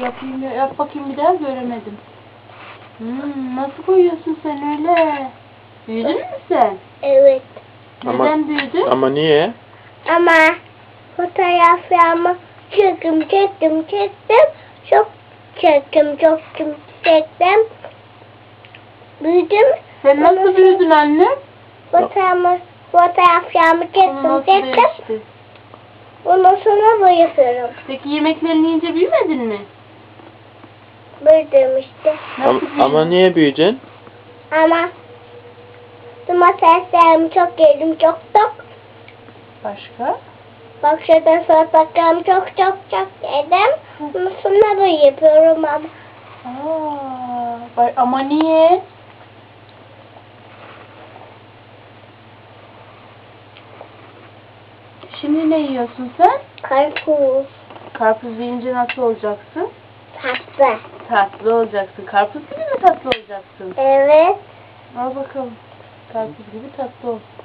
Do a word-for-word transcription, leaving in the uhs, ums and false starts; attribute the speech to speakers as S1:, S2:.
S1: Bakayım, yap bakayım bir daha, göremedim. Hmm, nasıl boyuyorsun sen öyle? Büyüdün mü sen?
S2: Evet.
S1: Neden
S3: Ama,
S1: büyüdün?
S3: ama niye?
S2: Ama fotoğraflarımı çektim, çektim, çektim. Çok çektim, çok çektim. Büyüdüm.
S1: Sen nasıl
S2: Ondan
S1: büyüdün anne?
S2: Fotoğrafımı, fotoğraflarımı
S1: Onu
S2: çektim,
S1: nasıl
S2: çektim.
S1: değişti?
S2: Ondan sonra boyuyorum.
S1: Peki yemeklerini yiyince büyümedin mi?
S2: Büyüdüm işte.
S1: Nasıl
S3: Ama,
S1: büyüdün?
S3: ama niye büyüdün?
S2: Ama domateslerimi çok yedim, çok çok.
S1: Başka?
S2: Bak şurada salatalarımı çok çok çok yedim. Ondan sonra böyle yapıyorum ama.
S1: Aa, bay- ama niye? Şimdi ne yiyorsun sen?
S2: Karpuz,
S1: Karpuz yiyince nasıl olacaksın?
S2: tatlı.
S1: Tatlı olacaksın. Karpuz gibi mi tatlı olacaksın?
S2: Evet.
S1: Al bakalım. Karpuz gibi tatlı ol.